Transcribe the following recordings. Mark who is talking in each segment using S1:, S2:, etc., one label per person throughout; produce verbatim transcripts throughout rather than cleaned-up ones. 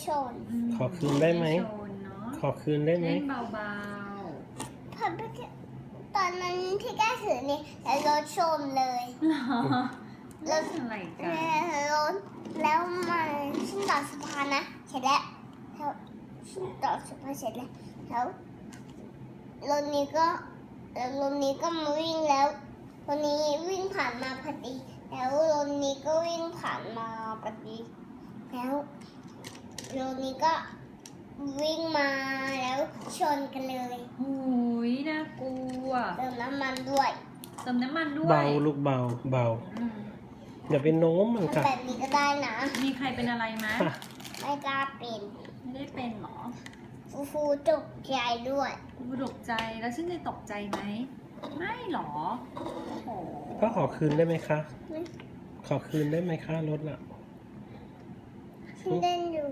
S1: ชน
S2: ขอคืนได้ไหม
S3: ชนเนาะ
S2: ขอคืนได้ไหม
S3: เล่นเบา
S1: พอตอนนั้นที่แก้ถือนี่แล้วรถชนเลย
S3: ๆเหรอเล่นอะไรกัน
S1: แล้วรถแล้วมันชิ้นต่อสะพานนะเสร็จแล้วแล้วชิ้นต่อสะพานเสร็จแล้วแล้วรถนี้ก็แล้วรถนี้ก็มาวิ่งแล้วรถนี้วิ่งผ่านมาพอดี แล้วรถนี้ก็วิ่งผ่านมาพอดีแล้วรถนี้ก็วิ่งมาแล้วชนกันเลย
S3: โอ้ยน่ากลัว
S1: เติมน้ำมันด้วย
S3: เติมน้ำมันด้วย
S2: เบาลูกเบาเบา
S3: อืม
S2: อย่าไปโน้มมัน
S1: ทำ
S2: ค่ะ
S1: แบบนี้ก็ได้นะ
S3: มีใครเป็นอะไรไหม
S2: ค่ะ
S1: ไม่กล้าเป็น
S3: ไม่ได้เป็นหรอ
S1: ฟูฟูตกใจด้วย
S3: กูตกใจแล้วฉันจะตกใจไหมไม่หรอโอ้โห
S2: ก็ขอคืนได้ไหมคะ
S1: ไม่
S2: ขอคืนได้ไหมคะรถอ่ะ
S1: ฉันเล่นอยู่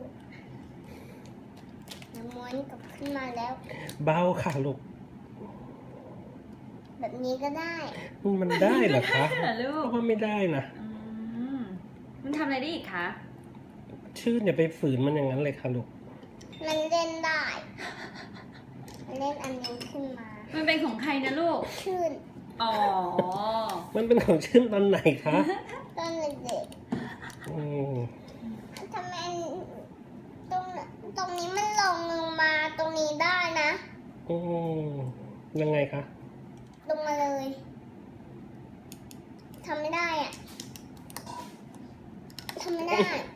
S1: น้ำม้วนกลับขึ้นมาแล้ว
S2: เบาค่ะลูก
S1: แบบนี้ก็ได้
S2: มันได้เหรอคะ
S3: เหรอลู
S2: เพ
S3: ก
S2: ราะว่าไม่ได้นะ
S3: อืมมันทำอะไรได้อีกคะ
S2: ชื่นอย่าไปฝืนมันอย่างนั้นเลยค่ะลูก
S1: มันเล่นได้มันเล่นอันนี้ขึ้นมา
S3: มันเป็นของใครนะลูก
S1: ชื่น
S3: อ๋อ
S2: มันเป็นของชื่นตอนไหนคะ
S1: ตอนเด็ก
S2: อืม
S1: ๆทำไมตรงตรงนี้มันลงลงมาตรงนี้ได้นะ
S2: อืมยังไงคะ
S1: ลงมาเลยทำไม่ได้อะทำไม่ได้